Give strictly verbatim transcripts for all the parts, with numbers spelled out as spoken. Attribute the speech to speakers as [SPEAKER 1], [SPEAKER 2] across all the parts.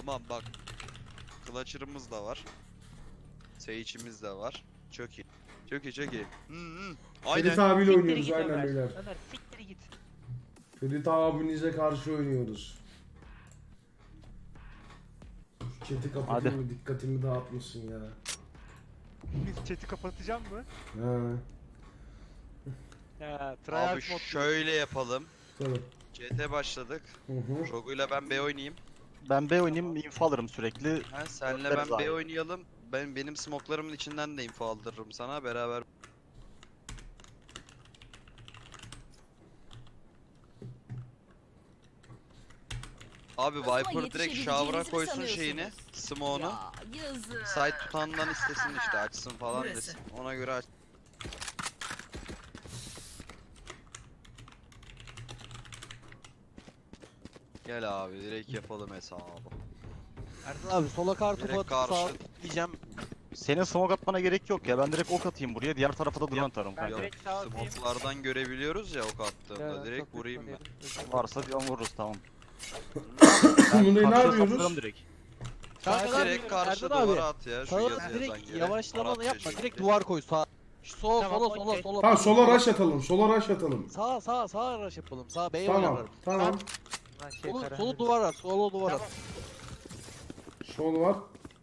[SPEAKER 1] Tamam bak. Clutcher'ımız da var. Sage'imiz de var. Çok iyi. Çok iyi çok iyi. Hı hı.
[SPEAKER 2] Ferit
[SPEAKER 1] Aynen.
[SPEAKER 2] abiyle
[SPEAKER 3] Siktir
[SPEAKER 2] oynuyoruz
[SPEAKER 3] git
[SPEAKER 2] aynen
[SPEAKER 3] Ömer.
[SPEAKER 2] beyler.
[SPEAKER 3] Ömer siktir git.
[SPEAKER 2] Ferit abinize karşı oynuyoruz. Şu chat'i kapatayım mı? Dikkatimi dağıtmışsın ya.
[SPEAKER 3] Chat'i kapatacağım mı?
[SPEAKER 2] He.
[SPEAKER 3] Ya
[SPEAKER 1] Abi
[SPEAKER 3] tryhard mod.
[SPEAKER 1] şöyle yapalım.
[SPEAKER 2] Tabii.
[SPEAKER 1] C T başladık.
[SPEAKER 2] Hı hı.
[SPEAKER 1] Rogu'yla ben B oynayayım.
[SPEAKER 4] Ben B oynayayım, info alırım sürekli.
[SPEAKER 1] Ha, senle
[SPEAKER 4] Dörtleriz
[SPEAKER 1] ben B
[SPEAKER 4] abi.
[SPEAKER 1] oynayalım. Ben benim smoklarımın içinden de info aldırırım sana beraber. Abi
[SPEAKER 5] Hızla
[SPEAKER 1] Viper direkt
[SPEAKER 5] yetişebileceğinizi
[SPEAKER 1] shower'a
[SPEAKER 5] mi
[SPEAKER 1] koysun
[SPEAKER 5] sanıyorsunuz?
[SPEAKER 1] şeyini, smoke'unu.
[SPEAKER 5] Ya yazık.
[SPEAKER 1] Site tutandan istesin işte açsın falan
[SPEAKER 5] Burası.
[SPEAKER 1] desin. Ona göre aç. Gel abi direkt yapalım hesabı.
[SPEAKER 4] Erdal abi sola kartopu
[SPEAKER 1] Direkt
[SPEAKER 4] atıp
[SPEAKER 1] karşı.
[SPEAKER 4] sağa diyeceğim. Senin smoke atmana gerek yok ya. Ben direkt ok atayım buraya. Diğer tarafa da drone atarım
[SPEAKER 3] Ben
[SPEAKER 4] kanka.
[SPEAKER 1] Yok,
[SPEAKER 3] direkt sağ atayım.
[SPEAKER 1] smoke'lardan görebiliyoruz ya ok attığımda
[SPEAKER 3] Ya,
[SPEAKER 1] direkt
[SPEAKER 3] çok
[SPEAKER 1] vurayım ben.
[SPEAKER 3] lütfen
[SPEAKER 4] Varsa bir an vururuz tamam.
[SPEAKER 2] Bunu ne
[SPEAKER 4] Karşıya
[SPEAKER 2] yapıyoruz?
[SPEAKER 4] saplarım direkt.
[SPEAKER 3] Kanka
[SPEAKER 1] Direkt
[SPEAKER 3] direkt
[SPEAKER 1] karşı
[SPEAKER 3] Erdal abi,
[SPEAKER 1] duvara at ya şu
[SPEAKER 3] Sağa
[SPEAKER 1] yazı yazan
[SPEAKER 3] direkt
[SPEAKER 1] yere.
[SPEAKER 3] yavaşlama
[SPEAKER 1] Arap
[SPEAKER 3] yapma.
[SPEAKER 1] çeşitli.
[SPEAKER 3] Direkt duvar koy sağ. Sola
[SPEAKER 4] Tamam,
[SPEAKER 3] sola sola
[SPEAKER 4] okey.
[SPEAKER 3] sola.
[SPEAKER 2] Ha sola rush atalım. Sola rush atalım.
[SPEAKER 3] Sağa sağa sağa rush yapalım. Sağa B'ye
[SPEAKER 2] Tamam.
[SPEAKER 3] oynarlar.
[SPEAKER 2] Tamam.
[SPEAKER 3] Solu, solu duvar at. Solu duvar at.
[SPEAKER 2] Sol var.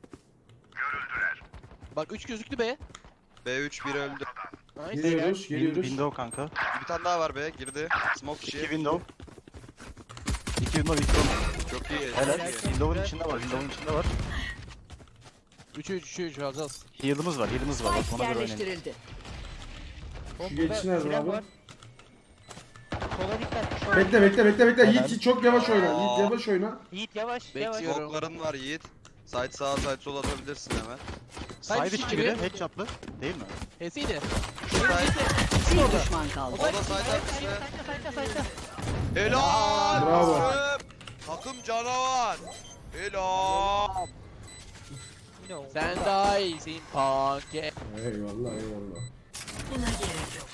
[SPEAKER 3] Bak üç gözüktü B.
[SPEAKER 1] B üç bir öldü.
[SPEAKER 3] Nice.
[SPEAKER 2] Geliyoruz.
[SPEAKER 4] Win-
[SPEAKER 2] Geliyoruz.
[SPEAKER 4] Window kanka.
[SPEAKER 1] Bir tane daha var be girdi. Smoke
[SPEAKER 4] İki
[SPEAKER 1] içi.
[SPEAKER 4] window. İki window, iki window.
[SPEAKER 1] Çok iyi.
[SPEAKER 4] Helal.
[SPEAKER 1] Çok iyi.
[SPEAKER 4] Window'un içinde var, window'un içinde var.
[SPEAKER 3] üç üç üç alacağız.
[SPEAKER 4] Heal'ımız var, heal'ımız var. Bak
[SPEAKER 5] Spike
[SPEAKER 4] ona göre oynayın.
[SPEAKER 5] yerleştirildi.
[SPEAKER 2] Şu geçsin nerede abi?
[SPEAKER 3] Sola dikkat.
[SPEAKER 2] Bekle bekle bekle bekle.
[SPEAKER 4] Helal.
[SPEAKER 2] Yiğit çok yavaş oyna.
[SPEAKER 1] Aa.
[SPEAKER 2] Yiğit yavaş oyna.
[SPEAKER 3] Yiğit yavaş yavaş.
[SPEAKER 5] Bekliyorum.
[SPEAKER 1] Smoke'ların var Yiğit. Side sağa side sola atabilirsin hemen.
[SPEAKER 4] Side
[SPEAKER 3] içi
[SPEAKER 4] içi
[SPEAKER 3] gibi.
[SPEAKER 4] biri, headshot'lı. Değil mi?
[SPEAKER 3] H'siydi.
[SPEAKER 1] Side.
[SPEAKER 5] Bir düşman kaldı.
[SPEAKER 1] O da side arkası.
[SPEAKER 3] Sayta sayta.
[SPEAKER 1] Helal.
[SPEAKER 2] Bravo.
[SPEAKER 1] Takım. Takım canavar. Helal.
[SPEAKER 3] Sen daha iyisin panke.
[SPEAKER 2] Eyvallah eyvallah.
[SPEAKER 5] Buna gerek yok.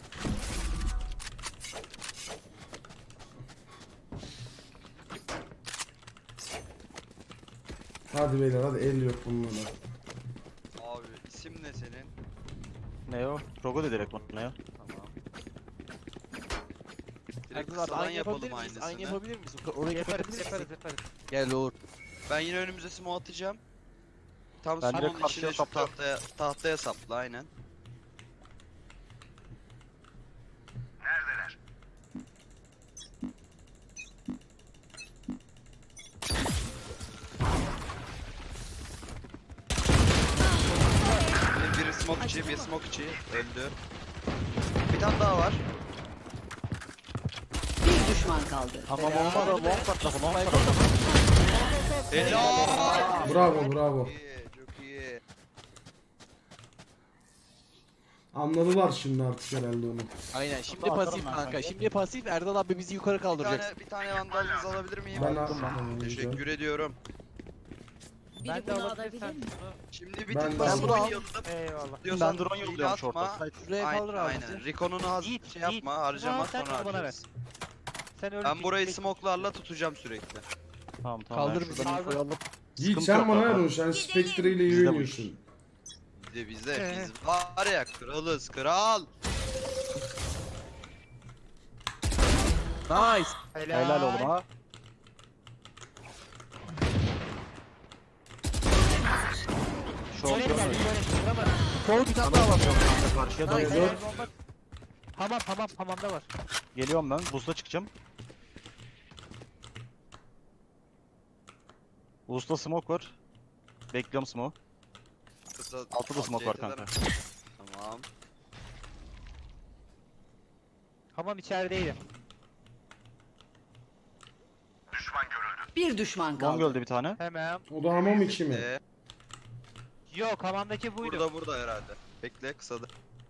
[SPEAKER 2] Hadi beyler hadi el yok bunlara.
[SPEAKER 1] Abi isim ne senin?
[SPEAKER 4] Ne o? Rogo da direkt bana ya.
[SPEAKER 1] Tamam. Direkt
[SPEAKER 3] Erdal abi
[SPEAKER 1] kısadan
[SPEAKER 3] aynı yapabilir
[SPEAKER 1] yapalım
[SPEAKER 3] miyiz? Aynı
[SPEAKER 1] aynısını.
[SPEAKER 3] yapabilir miyiz? Orayı
[SPEAKER 6] Yaparız
[SPEAKER 3] kapatabilir
[SPEAKER 6] yaparız
[SPEAKER 3] miyiz?
[SPEAKER 6] yaparız.
[SPEAKER 3] Gel olur.
[SPEAKER 1] Ben yine önümüze smoke atacağım. Tam
[SPEAKER 4] Ben direkt
[SPEAKER 1] smoke'un
[SPEAKER 4] karşıya
[SPEAKER 1] içine şu
[SPEAKER 4] sapla.
[SPEAKER 1] tahtaya, tahtaya sapla aynen. Bir, biri smoke içi, bir smoke içi öldü. Bir tane daha var.
[SPEAKER 5] Bir düşman kaldı.
[SPEAKER 4] Tamam olmadı. Long patladı, long patladı.
[SPEAKER 1] Helal.
[SPEAKER 2] Bravo bravo.
[SPEAKER 1] Çok iyi, çok iyi.
[SPEAKER 2] Anladılar şimdi artık herhalde onu.
[SPEAKER 3] Aynen şimdi
[SPEAKER 4] Atarım
[SPEAKER 3] pasif
[SPEAKER 4] ben
[SPEAKER 3] kanka.
[SPEAKER 4] kanka.
[SPEAKER 3] Şimdi pasif Erdal abi bizi yukarı
[SPEAKER 1] Bir
[SPEAKER 3] kaldıracak.
[SPEAKER 1] tane, bir tane vandalınızı alabilir miyim?
[SPEAKER 2] Ben aldım ben.
[SPEAKER 1] Teşekkür ediyorum.
[SPEAKER 6] Ben
[SPEAKER 5] Biri
[SPEAKER 6] de
[SPEAKER 5] bunu
[SPEAKER 6] alabilirsen
[SPEAKER 5] alabilir mi?
[SPEAKER 6] bunu.
[SPEAKER 1] Şimdi bir
[SPEAKER 2] Ben
[SPEAKER 1] tık
[SPEAKER 2] de
[SPEAKER 1] daha
[SPEAKER 2] aldım.
[SPEAKER 1] oynayalım.
[SPEAKER 6] Eyvallah.
[SPEAKER 1] Diyorsan
[SPEAKER 4] Ben drone
[SPEAKER 1] hile
[SPEAKER 4] yolluyorum
[SPEAKER 1] atma.
[SPEAKER 4] short'a.
[SPEAKER 3] Şuraya
[SPEAKER 1] Aynen,
[SPEAKER 3] kaldır abi
[SPEAKER 1] aynen.
[SPEAKER 3] bizi.
[SPEAKER 1] Recon'unu az
[SPEAKER 6] Yiğit,
[SPEAKER 1] şey yapma,
[SPEAKER 6] Yiğit.
[SPEAKER 1] harcama
[SPEAKER 6] Aa, sen
[SPEAKER 1] sonra
[SPEAKER 6] al bana
[SPEAKER 1] harcarız.
[SPEAKER 6] Sen öyle
[SPEAKER 1] Ben burayı
[SPEAKER 6] git-
[SPEAKER 1] smoke'larla tutacağım sürekli.
[SPEAKER 4] Tamam tamam.
[SPEAKER 3] Kaldır
[SPEAKER 4] ben
[SPEAKER 3] bizi.
[SPEAKER 4] şuradan infoyu alıp-
[SPEAKER 2] Yiğit
[SPEAKER 4] Sıkıntı
[SPEAKER 2] sen
[SPEAKER 4] yok
[SPEAKER 2] bana
[SPEAKER 4] kanka.
[SPEAKER 2] ver onu. Sen Spectre ile iyi
[SPEAKER 4] Bizde bu
[SPEAKER 2] oynuyorsun.
[SPEAKER 1] Bizde bizde
[SPEAKER 6] Ee.
[SPEAKER 1] biz var ya kralız kral.
[SPEAKER 3] Nice.
[SPEAKER 4] Helal oğlum ha. Short
[SPEAKER 6] Şöyle gel,
[SPEAKER 4] dönüyor.
[SPEAKER 6] şöyle şurama.
[SPEAKER 3] Sol bir tane daha var.
[SPEAKER 4] Karşıya
[SPEAKER 3] Nice.
[SPEAKER 4] doğru.
[SPEAKER 6] Helal bomba. Hamam hamam hamamda var.
[SPEAKER 4] Geliyorum ben. Boost'a çıkacağım. Boost'ta smoke var. Bekliyorum smoke.
[SPEAKER 1] Kısa,
[SPEAKER 4] Altta da smoke var
[SPEAKER 1] C T'den.
[SPEAKER 4] kanka.
[SPEAKER 1] Tamam.
[SPEAKER 6] Hamam içerideydi.
[SPEAKER 5] Bir düşman
[SPEAKER 4] Long
[SPEAKER 5] kaldı.
[SPEAKER 4] öldü bir tane.
[SPEAKER 6] Hemen.
[SPEAKER 2] O da hamam içi mi?
[SPEAKER 1] Ee,
[SPEAKER 6] Yok hamamdaki buydu.
[SPEAKER 1] burada burada herhalde. Bekle kısada.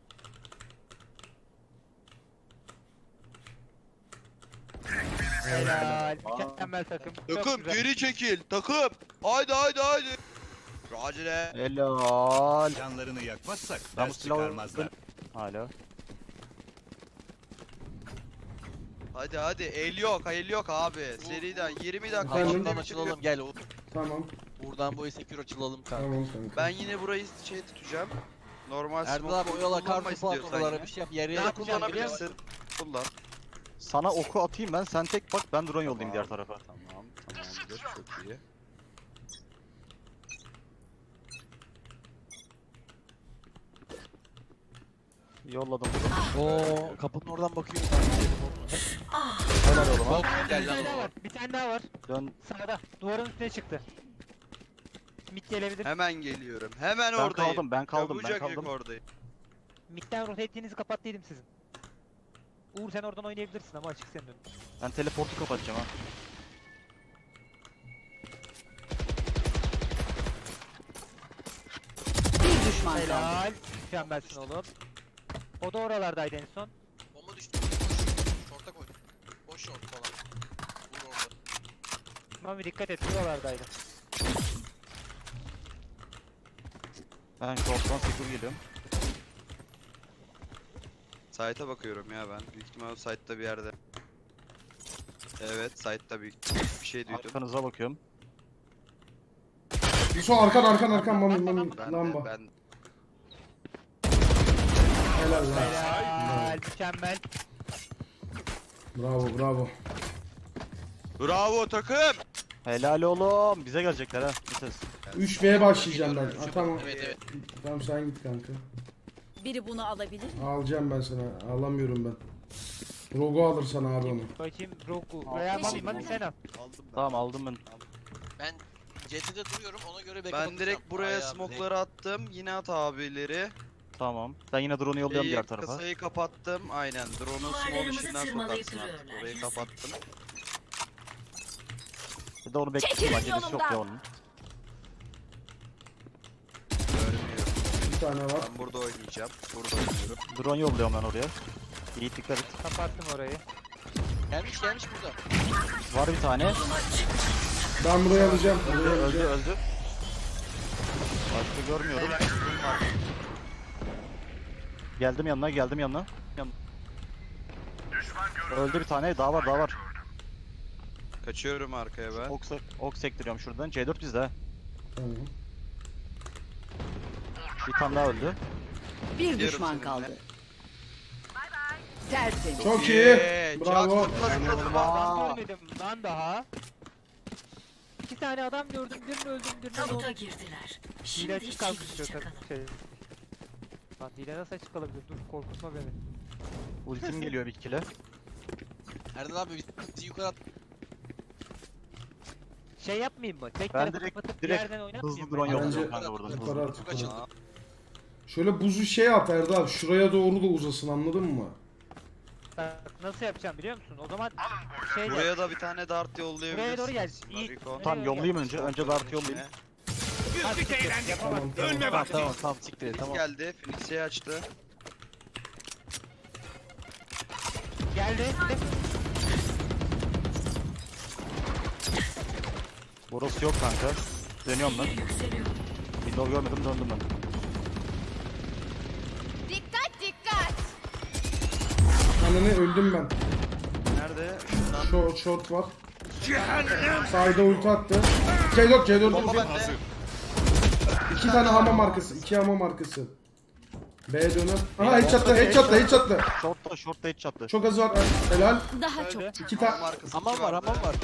[SPEAKER 6] Helal. Mükemmel takım. Çok
[SPEAKER 1] Takım
[SPEAKER 6] güzel.
[SPEAKER 1] geri çekil takım. Haydi haydi haydi. Racile.
[SPEAKER 4] Helal.
[SPEAKER 7] Canlarını yakmazsak
[SPEAKER 4] Ben bu
[SPEAKER 7] ders
[SPEAKER 4] silahı
[SPEAKER 7] çıkarmazlar.
[SPEAKER 4] hala.
[SPEAKER 1] Hadi hadi el yok el yok abi. Seriden yirmi dakika
[SPEAKER 2] Efendim?
[SPEAKER 1] içinde
[SPEAKER 3] Hamamdan
[SPEAKER 1] bitiriyor.
[SPEAKER 3] açılalım gel. Uğur.
[SPEAKER 2] Tamam.
[SPEAKER 3] Buradan bu secure açılalım kanka.
[SPEAKER 2] Tamam kanka.
[SPEAKER 1] Ben yine burayı şey tutacağım. Normal
[SPEAKER 3] Erdal
[SPEAKER 1] smoke
[SPEAKER 3] abi oyala
[SPEAKER 1] kullanma
[SPEAKER 3] kartopu at
[SPEAKER 1] istiyorsan
[SPEAKER 3] oralara
[SPEAKER 1] yine.
[SPEAKER 3] bir şey yap. Yere
[SPEAKER 1] Ya
[SPEAKER 3] yap.
[SPEAKER 1] kullanabilirsin. Kullan.
[SPEAKER 4] Sana oku atayım ben, sen tek bak, ben drone yollayayım
[SPEAKER 1] Tamam.
[SPEAKER 4] diğer tarafa.
[SPEAKER 1] Tamam tamamdır çok iyi.
[SPEAKER 4] Yolladım.
[SPEAKER 3] Oo kapının oradan bakıyor.
[SPEAKER 4] Helal oğlum ha.
[SPEAKER 3] Bak
[SPEAKER 6] Bir
[SPEAKER 3] gel
[SPEAKER 6] tane daha
[SPEAKER 3] lan.
[SPEAKER 6] var. Bir tane daha var.
[SPEAKER 4] Dön.
[SPEAKER 6] Sağda. Duvarın üstüne çıktı. Mid gelebilir.
[SPEAKER 1] Hemen geliyorum. Hemen
[SPEAKER 4] Ben
[SPEAKER 1] oradayım.
[SPEAKER 4] kaldım, ben kaldım, ben
[SPEAKER 1] Çabucak yük
[SPEAKER 4] kaldım.
[SPEAKER 1] oradayım.
[SPEAKER 6] Mid'den rotate'inizi kapattıydım sizin. Uğur sen oradan oynayabilirsin ama açık senin önün.
[SPEAKER 4] Ben teleportu kapatacağım ha.
[SPEAKER 5] Bir düşman kaldı.
[SPEAKER 6] Helal. Mükemmelsin oğlum. O da oralardaydı en son.
[SPEAKER 3] Bomba düştü. Şorta koy. Boş şort falan. Vur orada.
[SPEAKER 6] Mami dikkat et oralardaydı.
[SPEAKER 4] Ben short'tan secure geliyorum.
[SPEAKER 1] Site'a bakıyorum ya ben. Büyük ihtimal o site'da bir yerde. Evet site'da bir, bir şey duydum.
[SPEAKER 4] Arkanıza bakıyorum.
[SPEAKER 2] Yusuf arkan arkan arkan mami mami
[SPEAKER 1] Ben
[SPEAKER 2] lamba.
[SPEAKER 1] de, ben
[SPEAKER 2] Helal lan.
[SPEAKER 6] Helal. Mükemmel.
[SPEAKER 2] Bravo bravo.
[SPEAKER 1] Bravo takım.
[SPEAKER 4] Helal oğlum. Bize gelecekler ha. Bites.
[SPEAKER 2] üç B'ye başlayacağım ben. Ha, tamam.
[SPEAKER 3] Evet evet.
[SPEAKER 2] Tamam sen git kanka.
[SPEAKER 5] Biri bunu alabilir mi?
[SPEAKER 2] Alacağım ben sana. Alamıyorum ben. Rogo alır sana abi onu.
[SPEAKER 6] Bakayım Roku. Veya Mami Mami sen al.
[SPEAKER 1] Aldım ben.
[SPEAKER 4] Tamam aldım ben.
[SPEAKER 3] Ben C T'de duruyorum ona göre backup
[SPEAKER 1] Ben
[SPEAKER 3] atacağım.
[SPEAKER 1] direkt buraya
[SPEAKER 3] Ayağı,
[SPEAKER 1] smoke'ları attım. Yine at abileri.
[SPEAKER 4] Tamam. Ben yine drone'u yolluyorum
[SPEAKER 1] Şeyi,
[SPEAKER 4] diğer tarafa.
[SPEAKER 1] Kasayı kapattım. Aynen. Drone'u small içinden sokarsın artık. Orayı kapattım.
[SPEAKER 4] Bir de onu bekliyorum. Acelesi yok ya onun.
[SPEAKER 1] Görmüyorum.
[SPEAKER 2] Bir tane var.
[SPEAKER 1] Ben burada oynayacağım. Burada oynuyorum.
[SPEAKER 4] Drone yolluyorum ben oraya. İyi dikkat et.
[SPEAKER 6] Kapattım orayı.
[SPEAKER 3] Gelmiş gelmiş burada.
[SPEAKER 4] Var bir tane.
[SPEAKER 2] Ben burayı alacağım.
[SPEAKER 4] Öldü
[SPEAKER 2] Burayı
[SPEAKER 4] öldü
[SPEAKER 2] alacağım.
[SPEAKER 4] öldü. Başka görmüyorum. Geldim yanına, geldim yanına. Yan... Öldü bir tane, daha var, daha var.
[SPEAKER 1] Kaçıyorum arkaya ben.
[SPEAKER 4] Ok, ok sektiriyorum şuradan. C dört bizde ha.
[SPEAKER 2] Tamam.
[SPEAKER 4] Bir tane daha öldü.
[SPEAKER 5] Bir
[SPEAKER 1] Gidiyorum
[SPEAKER 5] düşman
[SPEAKER 1] seninle.
[SPEAKER 5] kaldı. Tertemiz.
[SPEAKER 2] Çok iyi.
[SPEAKER 1] Yeah,
[SPEAKER 2] Bravo.
[SPEAKER 1] çak, zıpla, zıpla, zıpla.
[SPEAKER 6] Adam görmedim lan daha. İki tane adam gördüm. Birini öldüm, birini
[SPEAKER 5] Tabuta
[SPEAKER 6] öldüm.
[SPEAKER 5] girdiler.
[SPEAKER 6] Hile
[SPEAKER 5] Şimdi
[SPEAKER 6] açık kalmış
[SPEAKER 5] çivi
[SPEAKER 6] diyor
[SPEAKER 5] çakalım.
[SPEAKER 6] tabii şey. Lan hile nasıl açık kalabilir? Dur korkutma beni.
[SPEAKER 4] Ultim geliyor bir kile.
[SPEAKER 3] Erdal abi bizi yukarı at.
[SPEAKER 6] Şey yapmayayım mı? Tek
[SPEAKER 4] Ben
[SPEAKER 6] tarafı
[SPEAKER 4] direkt-
[SPEAKER 6] kapatıp
[SPEAKER 4] direkt
[SPEAKER 6] bir yerden oynatmayayım
[SPEAKER 4] Hızlı
[SPEAKER 6] mı?
[SPEAKER 4] drone
[SPEAKER 2] Bence-
[SPEAKER 4] yolluyorum kanka buradan.
[SPEAKER 2] Yukarı
[SPEAKER 4] Hızlı.
[SPEAKER 2] at
[SPEAKER 3] Çok
[SPEAKER 2] yukarı.
[SPEAKER 3] açıldı.
[SPEAKER 2] Şöyle buzu şey at Erdal. Şuraya doğru da uzasın anladın mı?
[SPEAKER 6] Bak, nasıl yapacağım biliyor musun? O zaman şey
[SPEAKER 1] Buraya
[SPEAKER 6] yap.
[SPEAKER 1] da bir tane dart yollayabilirsin.
[SPEAKER 6] Buraya doğru gel. İyi.
[SPEAKER 1] Nariko.
[SPEAKER 4] Tamam yollayayım önce. Önce dart yollayayım.
[SPEAKER 6] Ha, siktir, yapamam.
[SPEAKER 2] Tamam tamam.
[SPEAKER 3] Tamam tamam tamam siktir et,
[SPEAKER 1] Tamam.
[SPEAKER 3] tamam.
[SPEAKER 1] Geldi. Phoenix'i açtı.
[SPEAKER 6] Geldi.
[SPEAKER 4] Burası yok kanka. Dönüyorum ben. Window görmedim, döndüm ben.
[SPEAKER 5] Dikkat dikkat.
[SPEAKER 2] Ananı öldüm ben.
[SPEAKER 1] Nerede?
[SPEAKER 2] Short, short var. Sayda ulti attı. C dört C dört
[SPEAKER 1] Bomba
[SPEAKER 2] ulti.
[SPEAKER 1] bende.
[SPEAKER 2] İki tane hamam arkası. iki hamam arkası. B döner. Aha headshot'ta headshot'ta headshot'ta.
[SPEAKER 4] Short'ta, short'ta hiç çattı.
[SPEAKER 2] Çok az var. Helal.
[SPEAKER 5] Daha çok.
[SPEAKER 6] Öldü.
[SPEAKER 2] İki
[SPEAKER 1] Hamam
[SPEAKER 2] tane.
[SPEAKER 1] arkası
[SPEAKER 3] Hamam
[SPEAKER 1] iki
[SPEAKER 3] var
[SPEAKER 1] vardı.
[SPEAKER 3] hamam var.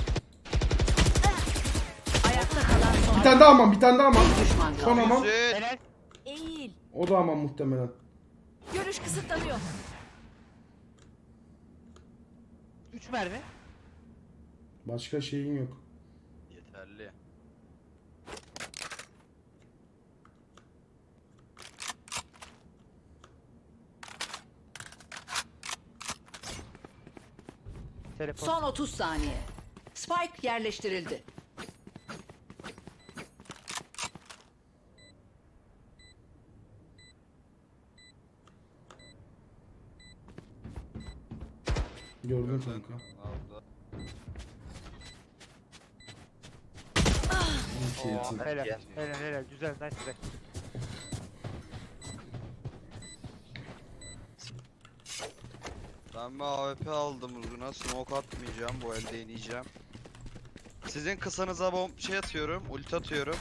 [SPEAKER 5] Ayakta kalan son.
[SPEAKER 2] Bir tane daha hamam. Bir tane daha hamam.
[SPEAKER 5] Bir düşman
[SPEAKER 2] Son
[SPEAKER 5] kaldı.
[SPEAKER 2] hamam.
[SPEAKER 1] Güzel.
[SPEAKER 6] Helal.
[SPEAKER 5] Eğil.
[SPEAKER 2] O da hamam muhtemelen.
[SPEAKER 5] Görüş kısıtlanıyor.
[SPEAKER 6] üç mermi.
[SPEAKER 2] Başka şeyin yok.
[SPEAKER 1] Yeterli.
[SPEAKER 6] Teleport.
[SPEAKER 5] Son otuz saniye. Spike yerleştirildi.
[SPEAKER 2] Gördün kanka.
[SPEAKER 1] Aldı.
[SPEAKER 2] İki yetim.
[SPEAKER 6] Helal. Helal helal. Güzel. Nice güzel.
[SPEAKER 1] Ben bir A W P aldım uzuna. Smoke atmayacağım. Bu elde deneyeceğim. Sizin kısanıza bomb şey atıyorum. Ulti atıyorum.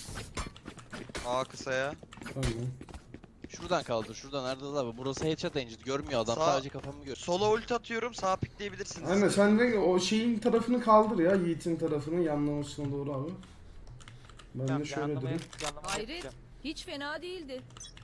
[SPEAKER 1] A kısaya.
[SPEAKER 2] Tamam.
[SPEAKER 7] Şuradan kaldır. Şuradan Erdal abi. Burası headshot engine. Görmüyor adam.
[SPEAKER 1] Sağ-
[SPEAKER 7] Sadece kafamı görüyor.
[SPEAKER 1] Sola ulti atıyorum. Sağa pikleyebilirsiniz.
[SPEAKER 2] Aynen sen de o şeyin tarafını kaldır ya. Yiğit'in tarafını yanlamasına doğru abi. Ben
[SPEAKER 6] Tamam,
[SPEAKER 2] de şöyle
[SPEAKER 6] yanlamaya-
[SPEAKER 2] durayım.
[SPEAKER 6] yanlamaya
[SPEAKER 5] Hayret.
[SPEAKER 6] yapacağım.
[SPEAKER 5] Hiç fena değildi.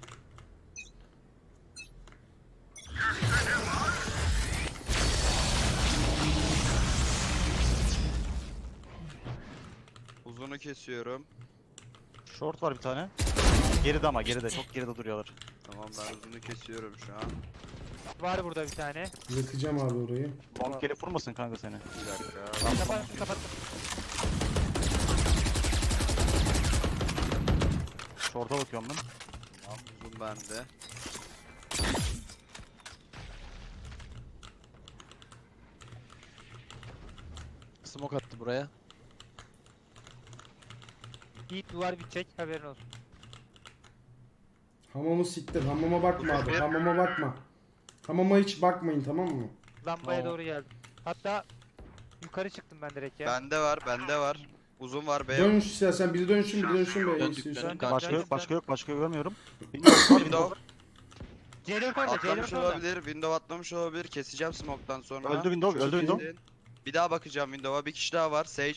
[SPEAKER 1] Uzunu kesiyorum.
[SPEAKER 4] Short var bir tane. Geride ama geride. Çok geride duruyorlar.
[SPEAKER 1] Tamam ben uzunu kesiyorum şu an.
[SPEAKER 6] Var burada bir tane.
[SPEAKER 2] Yakacağım abi orayı.
[SPEAKER 4] Long gelip vurmasın kanka seni.
[SPEAKER 1] Bir dakika.
[SPEAKER 6] Kapattım kapattım.
[SPEAKER 4] Short'a bakıyorum ben.
[SPEAKER 1] Tamam uzun bende.
[SPEAKER 7] Smoke attı buraya.
[SPEAKER 6] Yiğit duvar bitecek haberin olsun.
[SPEAKER 2] Hamamı siktir. Hamama bakma abi. Hamama bakma. Hamama hiç bakmayın tamam mı?
[SPEAKER 6] Lambaya
[SPEAKER 4] Tamam.
[SPEAKER 6] doğru geldim. Hatta yukarı çıktım ben direkt ya.
[SPEAKER 1] Bende var, bende var. Uzun var B.
[SPEAKER 2] Dön istersen biri dönsün biri dönsün be.
[SPEAKER 7] Döndük,
[SPEAKER 2] istiyorsan.
[SPEAKER 7] döndük.
[SPEAKER 4] Başka
[SPEAKER 6] Döndüm,
[SPEAKER 4] yok, başka
[SPEAKER 6] döndüm.
[SPEAKER 4] yok, başka görmüyorum. Windows var,
[SPEAKER 1] Window.
[SPEAKER 6] C dört orada, C
[SPEAKER 1] Atlamış
[SPEAKER 6] dört orada.
[SPEAKER 1] olabilir, window atlamış olabilir. Keseceğim smoke'tan sonra.
[SPEAKER 4] Öldü window, öldü window.
[SPEAKER 1] Kesin. Bir daha bakacağım window'a. Bir kişi daha var. Sage.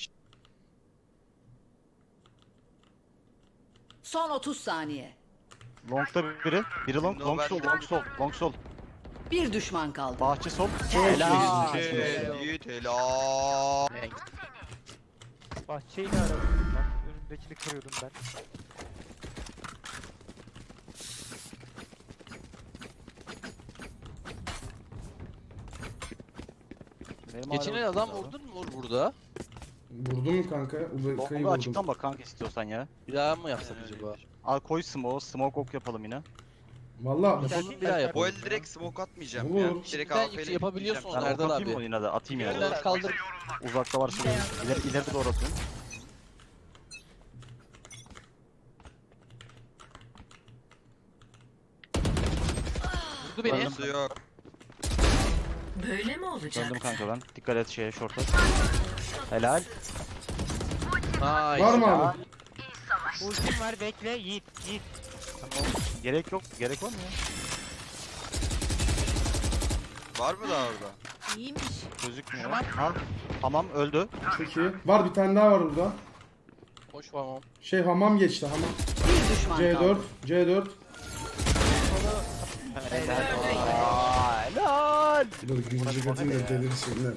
[SPEAKER 5] Son otuz saniye.
[SPEAKER 4] Long'da biri. Biri long, long sol, long sol, long sol.
[SPEAKER 5] Bir düşman kaldı.
[SPEAKER 4] Bahçe sol.
[SPEAKER 6] Helal.
[SPEAKER 1] Yiğit, Yiğit, helal.
[SPEAKER 6] Bahçeyi de aradım ben. Önümdekini kırıyordum ben.
[SPEAKER 4] Benim
[SPEAKER 7] Geçen
[SPEAKER 4] hala
[SPEAKER 7] el adam
[SPEAKER 4] bakıyorum
[SPEAKER 7] vurdun mu Uğur burada?
[SPEAKER 2] Vurdun mu kanka?
[SPEAKER 4] abi.
[SPEAKER 2] Ubeka'yı
[SPEAKER 4] Long'da
[SPEAKER 2] vurdum.
[SPEAKER 4] açıktan bak kanka istiyorsan ya.
[SPEAKER 7] Bir daha mı yapsak
[SPEAKER 1] Yani
[SPEAKER 7] acaba?
[SPEAKER 4] Al koy smoke, smoke ok yapalım yine.
[SPEAKER 2] Valla
[SPEAKER 6] Bir
[SPEAKER 7] Solun
[SPEAKER 6] tane-
[SPEAKER 7] bir daha
[SPEAKER 1] Bu
[SPEAKER 7] yapalım.
[SPEAKER 1] el direkt smoke atmayacağım
[SPEAKER 2] Olur.
[SPEAKER 1] ya. Direkt
[SPEAKER 7] Şimdiden
[SPEAKER 1] A W P 'yle
[SPEAKER 7] yüksek yapabiliyorsun
[SPEAKER 1] gideceğim.
[SPEAKER 4] Ben
[SPEAKER 7] Erdal
[SPEAKER 4] ok atayım
[SPEAKER 7] abi.
[SPEAKER 4] mı yine de? Atayım yine de.
[SPEAKER 7] Yerden kaldır.
[SPEAKER 4] Uzakta varsa böyle. İleri, ileri doğru atıyorum.
[SPEAKER 7] Vurdu beni.
[SPEAKER 4] Öldüm.
[SPEAKER 1] Burası yok.
[SPEAKER 5] Böyle mi olacak?
[SPEAKER 4] Döndüm kanka ben. Dikkat et şeye short'a. Helal.
[SPEAKER 7] Nice.
[SPEAKER 2] var mı abi?
[SPEAKER 6] Ultim var bekle Yiğit, Yiğit.
[SPEAKER 4] Gerek yok. Gerek var mı ya?
[SPEAKER 1] Var mı daha orada?
[SPEAKER 5] İyiymiş.
[SPEAKER 4] Gözükmüyor. Ha. Tamam öldü.
[SPEAKER 2] Çok iyi. Var bir tane daha var burada.
[SPEAKER 7] Hoş tamam.
[SPEAKER 2] Şey hamam geçti hamam.
[SPEAKER 5] Bir düşman
[SPEAKER 2] C
[SPEAKER 5] kaldı.
[SPEAKER 2] dört. C dört.
[SPEAKER 4] Aa, helal.
[SPEAKER 2] Dur gülücük atayım da delirsinler.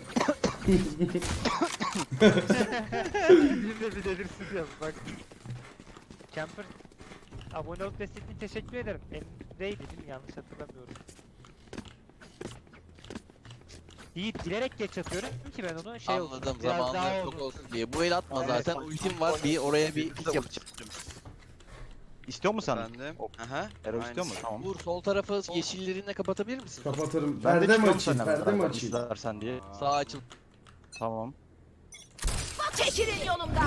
[SPEAKER 6] Bir de bir delirsiz yap bak. Camper abone olup desteklediğin teşekkür ederim. Emre'ydi değil mi? Yanlış hatırlamıyorum. Yiğit bilerek geç atıyorum ki ben onu şey olsun,
[SPEAKER 7] Anladım
[SPEAKER 6] biraz
[SPEAKER 7] zamanında
[SPEAKER 6] daha
[SPEAKER 7] çok
[SPEAKER 6] olsun.
[SPEAKER 7] olsun diye. Bu el atma
[SPEAKER 4] Aynen.
[SPEAKER 7] zaten. Ultim var. Bir oraya bir pik yapacağım.
[SPEAKER 4] İstiyor musun sen?
[SPEAKER 1] Efendim.
[SPEAKER 4] Ok.
[SPEAKER 1] Aha.
[SPEAKER 4] Ero istiyor mu?
[SPEAKER 1] aynısı.
[SPEAKER 4] Tamam.
[SPEAKER 7] Uğur sol tarafı yeşillerinle kapatabilir misin?
[SPEAKER 2] Kapatırım.
[SPEAKER 4] Ben de
[SPEAKER 2] Perde mi
[SPEAKER 4] çıkıyorum
[SPEAKER 2] açayım?
[SPEAKER 4] seninle
[SPEAKER 2] Perde mi
[SPEAKER 4] beraber
[SPEAKER 2] açayım?
[SPEAKER 4] izlersen diye.
[SPEAKER 7] Sağ açıl.
[SPEAKER 4] Tamam.
[SPEAKER 5] Çekilin yolumdan.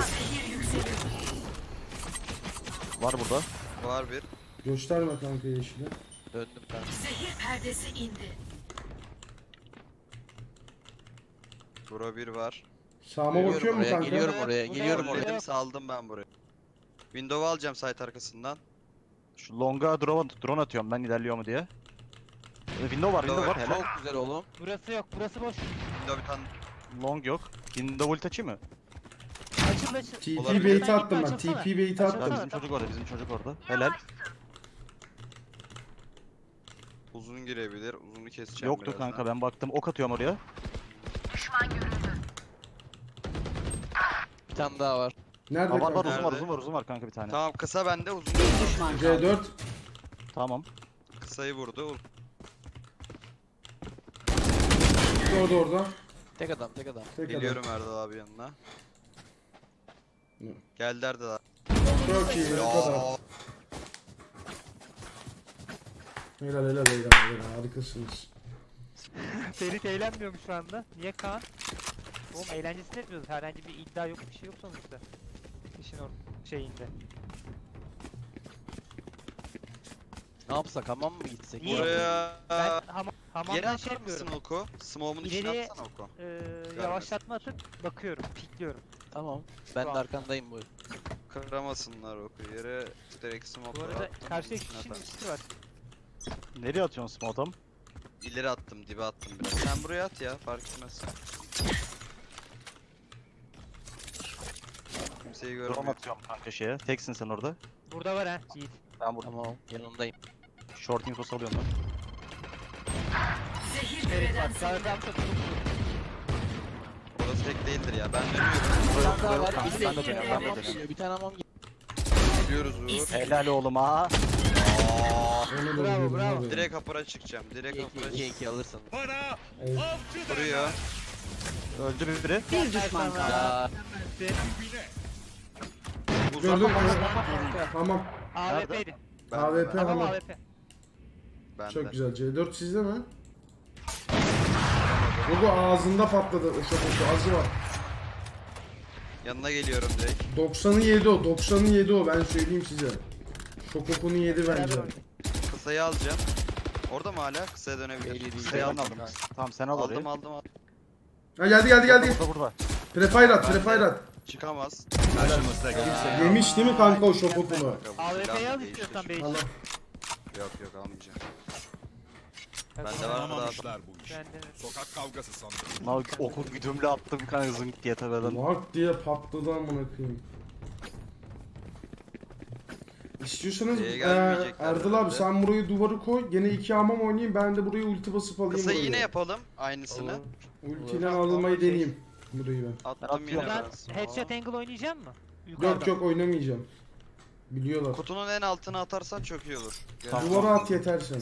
[SPEAKER 4] Var burada.
[SPEAKER 1] Var bir.
[SPEAKER 2] Gösterme kanka yeşili.
[SPEAKER 7] Döndüm ben.
[SPEAKER 5] Zehir perdesi indi.
[SPEAKER 1] Bura bir var.
[SPEAKER 2] Sağıma
[SPEAKER 7] Geliyorum
[SPEAKER 2] bakıyor mu
[SPEAKER 7] oraya,
[SPEAKER 2] kanka?
[SPEAKER 7] geliyorum oraya,
[SPEAKER 6] Burada
[SPEAKER 7] geliyorum
[SPEAKER 6] yok,
[SPEAKER 7] oraya.
[SPEAKER 1] Dedim saldım ben burayı. Window'u alacağım site arkasından.
[SPEAKER 4] Şu longa drone, drone atıyorum ben ilerliyor mu diye. Ee, Window var, window var. Helal.
[SPEAKER 7] Çok güzel oğlum.
[SPEAKER 6] Burası yok, burası boş.
[SPEAKER 1] Window bir tane.
[SPEAKER 4] Long yok. Window ult açayım mı?
[SPEAKER 6] Açıl açıl.
[SPEAKER 2] T P
[SPEAKER 1] Olabilir.
[SPEAKER 2] bait'i
[SPEAKER 6] Sen
[SPEAKER 2] attım
[SPEAKER 6] gitme,
[SPEAKER 2] ben.
[SPEAKER 6] açılsana.
[SPEAKER 2] T P bait'i
[SPEAKER 4] Ya
[SPEAKER 2] attım.
[SPEAKER 4] bizim çocuk orada, bizim çocuk orada. Helal.
[SPEAKER 1] Uzun girebilir. Uzunu keseceğim
[SPEAKER 4] Yoktu
[SPEAKER 1] birazdan.
[SPEAKER 4] kanka ben baktım. Ok atıyorum oraya.
[SPEAKER 7] Bir tane daha var.
[SPEAKER 2] Nerede
[SPEAKER 4] Ha, var var
[SPEAKER 2] kanka?
[SPEAKER 4] uzun var,
[SPEAKER 1] Nerede?
[SPEAKER 4] uzun var, uzun var kanka bir tane.
[SPEAKER 1] Tamam kısa bende uzun.
[SPEAKER 5] Bir düşman kaldı.
[SPEAKER 2] C dört.
[SPEAKER 4] Tamam.
[SPEAKER 1] Kısayı vurdu.
[SPEAKER 2] Orada orada.
[SPEAKER 7] Tek adam, tek adam.
[SPEAKER 2] Tek adam.
[SPEAKER 1] Geliyorum Erdal abi yanına.
[SPEAKER 2] Ne?
[SPEAKER 1] Geldi Erdal abi.
[SPEAKER 2] Çok iyi. Bu kadar.
[SPEAKER 1] Ya.
[SPEAKER 2] Helal helal helal helal. Harikasınız.
[SPEAKER 6] Ferit eğlenmiyor mu şu anda? Niye Kaan? Oğlum eğlencesini etmiyoruz. Herhangi bir iddia yok, bir şey yok sonuçta. İşin or şeyinde.
[SPEAKER 7] Ne yapsak, hamam mı gitsek?
[SPEAKER 6] Niye?
[SPEAKER 1] Buraya
[SPEAKER 6] Ben hamam,
[SPEAKER 1] yere
[SPEAKER 6] hamamdan şey
[SPEAKER 1] atar mısın
[SPEAKER 6] yapmıyorum.
[SPEAKER 1] oku? Smoke'un içine
[SPEAKER 6] İleriye-
[SPEAKER 1] atsana oku.
[SPEAKER 6] Ee, yavaşlatma atıp bakıyorum, pikliyorum.
[SPEAKER 7] Tamam. Ben de
[SPEAKER 6] Tamam.
[SPEAKER 7] arkandayım bu.
[SPEAKER 1] Kıramasınlar oku. Yere direkt smoke
[SPEAKER 6] Bu arada
[SPEAKER 1] at,
[SPEAKER 6] karşıya
[SPEAKER 1] içine
[SPEAKER 6] kişinin
[SPEAKER 1] atarsın.
[SPEAKER 6] ikisi var.
[SPEAKER 4] Nereye atıyorsun smoke adam?
[SPEAKER 1] İleri attım, dibe attım biraz. Sen buraya at ya, fark etmez. Kimseyi
[SPEAKER 4] Drone
[SPEAKER 1] görmüyor.
[SPEAKER 4] atıyorum kanka şeye. Teksin sen orada.
[SPEAKER 6] Burada var ha Yiğit.
[SPEAKER 4] Ben burada.
[SPEAKER 7] Tamam. Yanındayım.
[SPEAKER 4] Short info alıyorum ben.
[SPEAKER 5] Zehir
[SPEAKER 6] Evet
[SPEAKER 5] küreden
[SPEAKER 6] bak sağ tarafta çok
[SPEAKER 1] Orası tek değildir ya, ben dönüyorum.
[SPEAKER 7] Bir tane daha var.
[SPEAKER 4] Ben
[SPEAKER 7] Bir
[SPEAKER 4] de
[SPEAKER 7] de
[SPEAKER 4] dönüyorum, ben de
[SPEAKER 7] hamam
[SPEAKER 4] dönüyorum.
[SPEAKER 7] geliyor. Bir tane hamam geliyor.
[SPEAKER 1] Gidiyoruz Uğur.
[SPEAKER 4] Helal oğlum ha.
[SPEAKER 2] Onu da
[SPEAKER 6] Bravo,
[SPEAKER 2] biliyorum
[SPEAKER 6] bravo.
[SPEAKER 2] abi.
[SPEAKER 1] Direkt kapıra çıkacağım, direkt kapıra
[SPEAKER 7] iki iki alırsın.
[SPEAKER 2] Evet.
[SPEAKER 1] Vuruyor.
[SPEAKER 4] Öldü biri.
[SPEAKER 5] bir düşman kaldı.
[SPEAKER 7] Ya
[SPEAKER 1] Uzak
[SPEAKER 2] Gördüm.
[SPEAKER 5] Yerinde.
[SPEAKER 2] Tamam.
[SPEAKER 6] A W P'ydi.
[SPEAKER 1] bende,
[SPEAKER 2] A W P
[SPEAKER 1] bende,
[SPEAKER 6] Tamam
[SPEAKER 2] hamam.
[SPEAKER 6] A W P.
[SPEAKER 1] bende.
[SPEAKER 2] Çok güzel. C dört sizde mi? Bu ağzında patladı o şokosu. Azı var.
[SPEAKER 1] Yanına geliyorum direkt.
[SPEAKER 2] doksanı yedi o. doksanı yedi o. Ben söyleyeyim size. Şokokunu yedi bence.
[SPEAKER 6] Beraber oynayın.
[SPEAKER 1] Kısayı alacağım. Orada mı hala? Kısaya dönebilir.
[SPEAKER 7] Belli değil.
[SPEAKER 1] Kısayı
[SPEAKER 4] Ben
[SPEAKER 1] aldım.
[SPEAKER 4] aldım. Tamam sen al orayı.
[SPEAKER 1] Aldım aldım aldım.
[SPEAKER 2] Ha geldi geldi geldi.
[SPEAKER 4] Burada burada.
[SPEAKER 2] Prefire at,
[SPEAKER 1] Ben de-
[SPEAKER 2] prefire at.
[SPEAKER 1] Çıkamaz.
[SPEAKER 2] Yemiş değil mi kanka o şokokunu?
[SPEAKER 6] A W P'yi al
[SPEAKER 1] Değiştir.
[SPEAKER 6] istiyorsan Bey.
[SPEAKER 2] Allah.
[SPEAKER 1] Yok yok almayacağım.
[SPEAKER 6] Ben
[SPEAKER 1] Bende var mı daha?
[SPEAKER 8] Anlamamışlar bu işi.
[SPEAKER 6] Ben de.
[SPEAKER 8] Sokak kavgası sandım.
[SPEAKER 4] Lan oku güdümle attım kanka zınk diye tepeden.
[SPEAKER 2] Lak diye patladı amına koyayım. İstiyorsanız
[SPEAKER 1] Şeye
[SPEAKER 2] eee,
[SPEAKER 1] gelmeyecekler
[SPEAKER 2] Erdal abi
[SPEAKER 1] herhalde.
[SPEAKER 2] sen burayı duvarı koy. Gene iki hamam oynayayım. Ben de buraya ulti basıp alayım
[SPEAKER 1] Kısayı
[SPEAKER 2] burayı.
[SPEAKER 1] yine yapalım. Aynısını.
[SPEAKER 2] Ultiyle almayı deneyeyim. Burayı ben.
[SPEAKER 1] Attım yine
[SPEAKER 6] Buradan
[SPEAKER 1] ben.
[SPEAKER 6] headshot angle oynayacak mı?
[SPEAKER 2] Yok yok oynamayacağım. Biliyorlar.
[SPEAKER 1] Kutunun en altına atarsan çok iyi olur.
[SPEAKER 4] Tamam.
[SPEAKER 2] Duvara at yeter sen.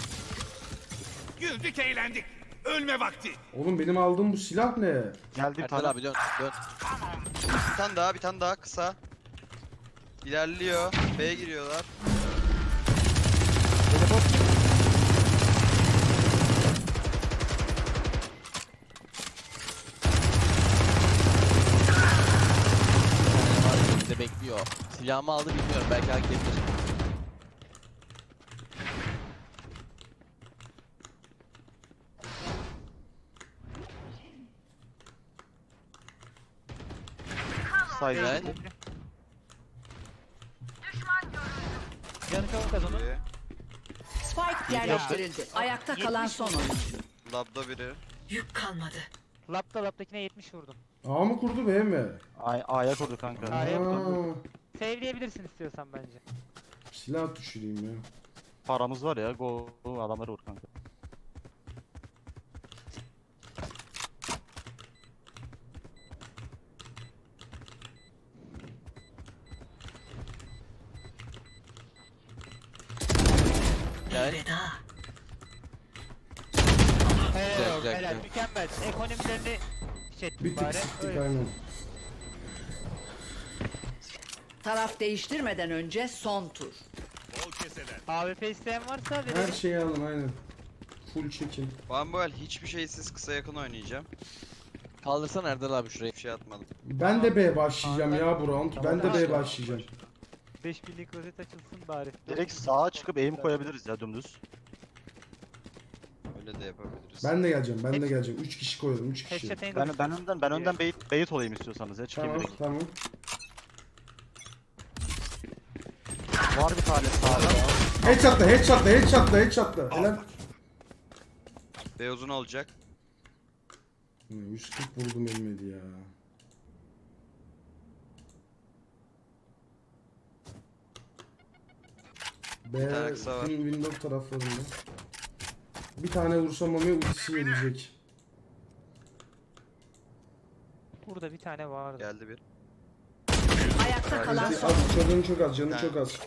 [SPEAKER 8] Güldük eğlendik. Ölme vakti.
[SPEAKER 2] Oğlum benim aldığım bu silah ne?
[SPEAKER 4] Geldi bir
[SPEAKER 7] Erdal
[SPEAKER 4] tane.
[SPEAKER 7] abi dön dön.
[SPEAKER 1] Bir tane daha, bir tane daha kısa. İlerliyor. B'ye giriyorlar.
[SPEAKER 7] Bize bekliyor. Silahımı aldı bilmiyorum. Belki hareket edebilir.
[SPEAKER 4] Saydı.
[SPEAKER 7] Evet.
[SPEAKER 6] Canı çabuk kaz onu.
[SPEAKER 1] Biri.
[SPEAKER 5] Spike yerleştirildi. Ayakta kalan son oyuncu.
[SPEAKER 1] Labda biri.
[SPEAKER 5] Yük kalmadı.
[SPEAKER 6] Lapta laptakine yetmiş vurdum.
[SPEAKER 2] A mı kurdu B mi?
[SPEAKER 4] Ay A'ya kurdu kanka.
[SPEAKER 6] A'ya
[SPEAKER 2] Aa,
[SPEAKER 6] Save'leyebilirsin istiyorsan bence.
[SPEAKER 2] silah düşüreyim ya.
[SPEAKER 4] Paramız var ya. Go go, adamları vur kanka.
[SPEAKER 7] Gel.
[SPEAKER 5] Veda.
[SPEAKER 6] Helal,
[SPEAKER 7] güzel,
[SPEAKER 6] helal,
[SPEAKER 7] güzel.
[SPEAKER 6] mükemmel. Ekonomilerini şey
[SPEAKER 2] Bir
[SPEAKER 6] ettik
[SPEAKER 2] tık
[SPEAKER 6] bari.
[SPEAKER 2] sıktık
[SPEAKER 6] Öyle.
[SPEAKER 2] aynen.
[SPEAKER 5] Taraf değiştirmeden önce son tur.
[SPEAKER 8] Bol keseler.
[SPEAKER 6] A W P isteyen varsa
[SPEAKER 2] Her
[SPEAKER 6] verelim.
[SPEAKER 2] şeyi alın aynen. Full çekin.
[SPEAKER 1] Ben bu el hiçbir şeysiz kısa yakın oynayacağım.
[SPEAKER 7] Kaldırsan Erdal abi şurayı.
[SPEAKER 1] Bir şey atmadım.
[SPEAKER 2] Ben de B başlayacağım
[SPEAKER 6] Tamam,
[SPEAKER 2] ya bu round. Ben de B
[SPEAKER 6] Tamam.
[SPEAKER 2] başlayacağım.
[SPEAKER 6] beş binlik rozet açılsın bari.
[SPEAKER 4] Direkt sağa çıkıp aim koyabiliriz ya dümdüz.
[SPEAKER 1] Öyle de yapabiliriz.
[SPEAKER 2] Ben de geleceğim. Ben de geleceğim. üç kişi koyalım. üç kişi.
[SPEAKER 6] Headshot angle.
[SPEAKER 4] Ben ben önden ben önden bait, bait olayım istiyorsanız ya çıkayım
[SPEAKER 2] Tamam
[SPEAKER 4] direkt.
[SPEAKER 2] tamam.
[SPEAKER 4] Var bir tane sağda.
[SPEAKER 2] Headshot'la headshot'la headshot'la headshot'la. Helal.
[SPEAKER 1] B uzun olacak.
[SPEAKER 2] Hmm, yüz kırk vurdum ölmedi ya. B
[SPEAKER 1] Bir tane kısa var.
[SPEAKER 2] win- window taraflarında. Bir tane vursam Mami ultisi gelecek.
[SPEAKER 6] Burada bir tane vardı.
[SPEAKER 1] Geldi bir.
[SPEAKER 5] Ayakta kalan
[SPEAKER 2] Ulti-
[SPEAKER 5] son.
[SPEAKER 2] az, canı çok az, canı
[SPEAKER 1] Ha.
[SPEAKER 2] çok az.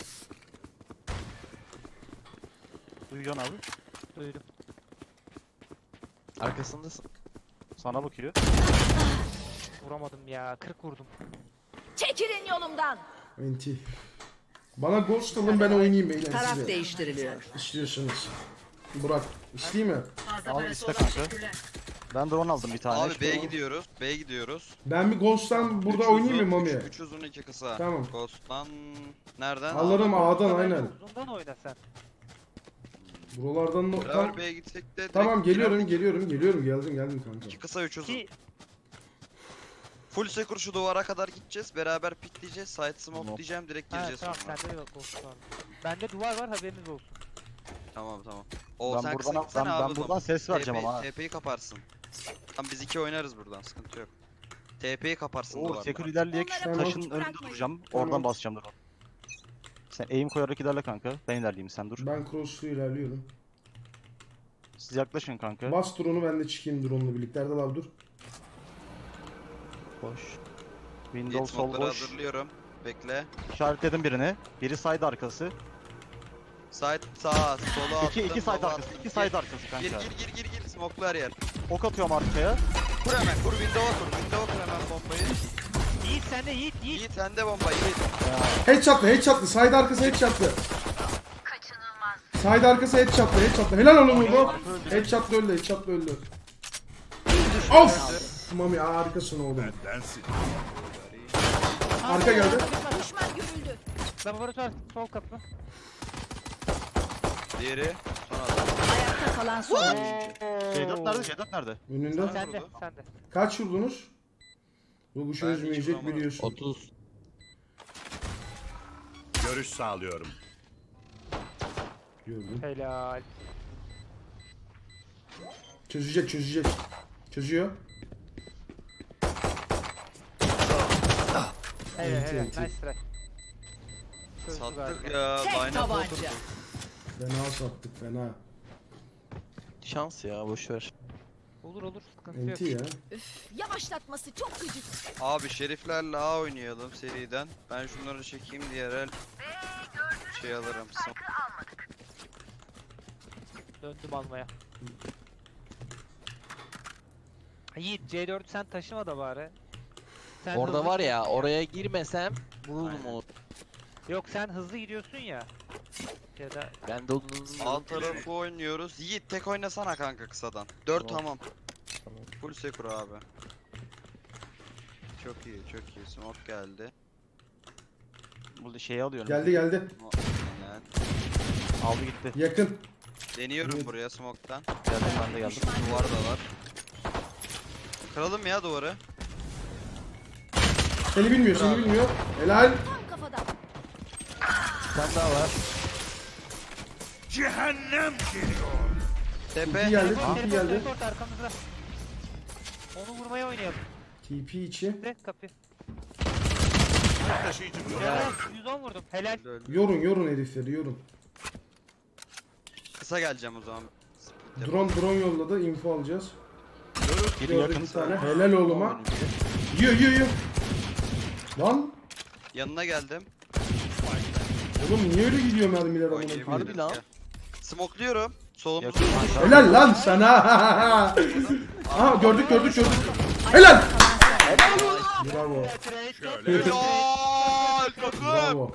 [SPEAKER 4] Duyuyorsun abi.
[SPEAKER 6] Duydum.
[SPEAKER 7] Arkasındasın.
[SPEAKER 4] Sana bakıyor.
[SPEAKER 6] Vuramadım ya. kırk vurdum.
[SPEAKER 5] Çekilin yolumdan.
[SPEAKER 2] Enti. Bana ghost alın ben oynayayım beyler
[SPEAKER 5] Taraf
[SPEAKER 2] size.
[SPEAKER 5] değiştiriliyor.
[SPEAKER 2] İstiyorsanız. Burak, isteyeyim mi?
[SPEAKER 5] Fazla
[SPEAKER 4] Al
[SPEAKER 5] parası
[SPEAKER 4] iste
[SPEAKER 5] olan
[SPEAKER 4] kanka.
[SPEAKER 5] teşekkürler.
[SPEAKER 4] Ben drone aldım bir tane.
[SPEAKER 1] Abi B'ye
[SPEAKER 2] tamam.
[SPEAKER 1] gidiyoruz. B'ye gidiyoruz.
[SPEAKER 2] Ben bir Ghost'tan burada
[SPEAKER 1] Üç
[SPEAKER 2] oynayayım mı
[SPEAKER 1] uzun,
[SPEAKER 2] Mami?
[SPEAKER 1] üç- üç uzun iki kısa.
[SPEAKER 2] Tamam.
[SPEAKER 1] Ghost'tan nereden?
[SPEAKER 2] Alırım A'dan
[SPEAKER 6] Bence
[SPEAKER 2] aynen.
[SPEAKER 6] Uzundan oyna sen.
[SPEAKER 2] Buralardan da...
[SPEAKER 1] Beraber
[SPEAKER 2] Tamam,
[SPEAKER 1] B'ye gitsek de direkt
[SPEAKER 2] tamam geliyorum
[SPEAKER 1] girerdik.
[SPEAKER 2] geliyorum geliyorum geldim geldim kanka.
[SPEAKER 1] İki kısa üç uzun.
[SPEAKER 6] Ki
[SPEAKER 1] Full secure şu duvara kadar gideceğiz. Beraber pikleyeceğiz. Side smoke
[SPEAKER 4] Tamam.
[SPEAKER 1] diyeceğim. Direkt
[SPEAKER 6] ha,
[SPEAKER 1] gireceğiz
[SPEAKER 6] tamam
[SPEAKER 1] sonra.
[SPEAKER 6] sende de bak olsun var. Bende duvar var haberiniz olsun.
[SPEAKER 1] Tamam tamam. O
[SPEAKER 4] Ben
[SPEAKER 1] sen
[SPEAKER 4] buradan,
[SPEAKER 1] kısa gitsene
[SPEAKER 4] ben,
[SPEAKER 1] abi
[SPEAKER 4] ben
[SPEAKER 1] o zaman.
[SPEAKER 4] buradan ses vereceğim ama. ha.
[SPEAKER 1] T P'yi kaparsın. Tamam biz iki oynarız buradan. Sıkıntı yok. T P'yi kaparsın
[SPEAKER 4] Oo,
[SPEAKER 1] duvardan.
[SPEAKER 4] secure ilerleyek şu
[SPEAKER 2] Tamam.
[SPEAKER 4] taşın önünde duracağım.
[SPEAKER 2] Tamam.
[SPEAKER 4] Oradan basacağım drone. Sen aim koyarak ilerle kanka. Ben ilerleyeyim sen dur.
[SPEAKER 2] Ben cross'lu ilerliyorum.
[SPEAKER 4] Siz yaklaşın kanka.
[SPEAKER 2] Bas drone'u ben de çıkayım drone'la birlikte. Erdal abi dur.
[SPEAKER 4] Boş.
[SPEAKER 1] Gate
[SPEAKER 4] Windows sol
[SPEAKER 1] smoke'ları
[SPEAKER 4] boş.
[SPEAKER 1] hazırlıyorum. Bekle.
[SPEAKER 4] İşaretledim birini. Biri side arkası.
[SPEAKER 1] Side sağ, solu attım.
[SPEAKER 4] İki, iki side
[SPEAKER 1] sola
[SPEAKER 4] arkası.
[SPEAKER 1] attım.
[SPEAKER 4] iki
[SPEAKER 1] Gir,
[SPEAKER 4] side arkası
[SPEAKER 1] Gir
[SPEAKER 4] kanka.
[SPEAKER 1] gir gir gir gir. Smoke'lu her yer.
[SPEAKER 4] Ok atıyorum arkaya.
[SPEAKER 1] Kur hemen. Kur window'a kur. Window'a kur hemen bombayı.
[SPEAKER 6] Yiğit sende Yiğit Yiğit.
[SPEAKER 1] Yiğit sende bomba Yiğit.
[SPEAKER 2] Headshot'lı headshot'lı. Side arkası headshot'lı. Side arkası headshot'lı headshot'lı. Helal oğlum bu. Headshot'lı öldü headshot'lı öldü. Of! Mami harikasın oğlum.
[SPEAKER 8] Bendensin.
[SPEAKER 2] Arka geldi.
[SPEAKER 5] Düşman görüldü.
[SPEAKER 6] Laboratuvar sol kapı.
[SPEAKER 1] Diğeri. Son adam.
[SPEAKER 5] Ayakta kalan son oyuncu.
[SPEAKER 4] C dört nerede? C dört nerede?
[SPEAKER 2] Önünde.
[SPEAKER 6] Sende
[SPEAKER 1] vurdu.
[SPEAKER 6] sende.
[SPEAKER 2] Kaç vurdunuz? Bu
[SPEAKER 1] Ben
[SPEAKER 2] kuşun
[SPEAKER 1] hiç
[SPEAKER 2] üzmeyecek
[SPEAKER 1] vuramadım.
[SPEAKER 2] biliyorsun.
[SPEAKER 7] otuz.
[SPEAKER 8] Görüş sağlıyorum.
[SPEAKER 2] Gördüm.
[SPEAKER 6] Helal.
[SPEAKER 2] Çözecek çözecek. Çözüyor.
[SPEAKER 6] Evet
[SPEAKER 2] Enti,
[SPEAKER 6] evet
[SPEAKER 2] enti.
[SPEAKER 6] nice try. Çözdü
[SPEAKER 1] Sattık
[SPEAKER 6] galiba.
[SPEAKER 1] ya.
[SPEAKER 5] Tek
[SPEAKER 1] Line up
[SPEAKER 5] tabanca.
[SPEAKER 1] oturdu.
[SPEAKER 2] Fena sattık fena.
[SPEAKER 7] Şans ya boşver.
[SPEAKER 6] Olur olur sıkıntı yok.
[SPEAKER 2] Enti ya.
[SPEAKER 5] Üf, yavaşlatması çok gıcık.
[SPEAKER 1] Abi şeriflerle A oynayalım seriden. Ben şunları çekeyim diğer el. Şey alırım. Smoke.
[SPEAKER 6] Döndüm almaya. Yiğit C dördü sen taşıma da bari. Sen
[SPEAKER 7] Orada
[SPEAKER 6] hızlı-
[SPEAKER 7] var ya oraya girmesem vururum
[SPEAKER 1] Aynen.
[SPEAKER 7] onu.
[SPEAKER 6] Yok sen hızlı gidiyorsun ya. Ya da
[SPEAKER 7] Ben de onu
[SPEAKER 1] Alt tarafı oynuyoruz. Yiğit tek oynasana kanka kısadan. dört
[SPEAKER 7] Tamam.
[SPEAKER 1] tamam. Full secure abi. Çok iyi çok iyi. Smoke geldi.
[SPEAKER 4] Burada şeyi alıyorum.
[SPEAKER 2] Geldi geldi.
[SPEAKER 1] Aynen.
[SPEAKER 4] Aldı gitti.
[SPEAKER 2] Yakın.
[SPEAKER 1] Deniyorum
[SPEAKER 2] Evet.
[SPEAKER 1] buraya smoke'tan.
[SPEAKER 4] Geldim ben de geldim.
[SPEAKER 1] Duvar da var. Kıralım ya duvarı.
[SPEAKER 2] Seni bilmiyor seni
[SPEAKER 1] Bravo.
[SPEAKER 2] bilmiyor. Helal.
[SPEAKER 5] Tam kafadan.
[SPEAKER 7] Sen daha var.
[SPEAKER 8] Cehennem geliyor.
[SPEAKER 1] Tepe.
[SPEAKER 2] İki geldi.
[SPEAKER 6] teleport
[SPEAKER 2] T P
[SPEAKER 6] teleport
[SPEAKER 2] geldi.
[SPEAKER 6] teleport arkamızda. Onu vurmaya oynayalım.
[SPEAKER 2] T P içi.
[SPEAKER 6] De kapı.
[SPEAKER 8] Taşıyıcı blok.
[SPEAKER 6] Helal. yüz on vurdum. Helal.
[SPEAKER 1] Öldü, öldü.
[SPEAKER 2] Yorun yorun herifleri yorun.
[SPEAKER 1] Kısa geleceğim o zaman.
[SPEAKER 2] Drone drone yolladı. Info alacağız.
[SPEAKER 4] Biri
[SPEAKER 2] Gördük
[SPEAKER 4] yakın.
[SPEAKER 2] bir tane. Helal oğluma. Yiyor yiyor yiyor. Lan.
[SPEAKER 1] Yanına geldim.
[SPEAKER 2] Oğlum niye öyle gidiyor mermiler amına
[SPEAKER 1] Oynayabilirim.
[SPEAKER 2] koyayım?
[SPEAKER 7] Harbi lan.
[SPEAKER 1] Gel. Smokluyorum. Solumuz.
[SPEAKER 4] Yakın.
[SPEAKER 2] Helal lan sana. Aha gördük gördük gördük. Helal. Bravo.
[SPEAKER 8] Şöyle.
[SPEAKER 1] Helal takım.
[SPEAKER 2] Bravo.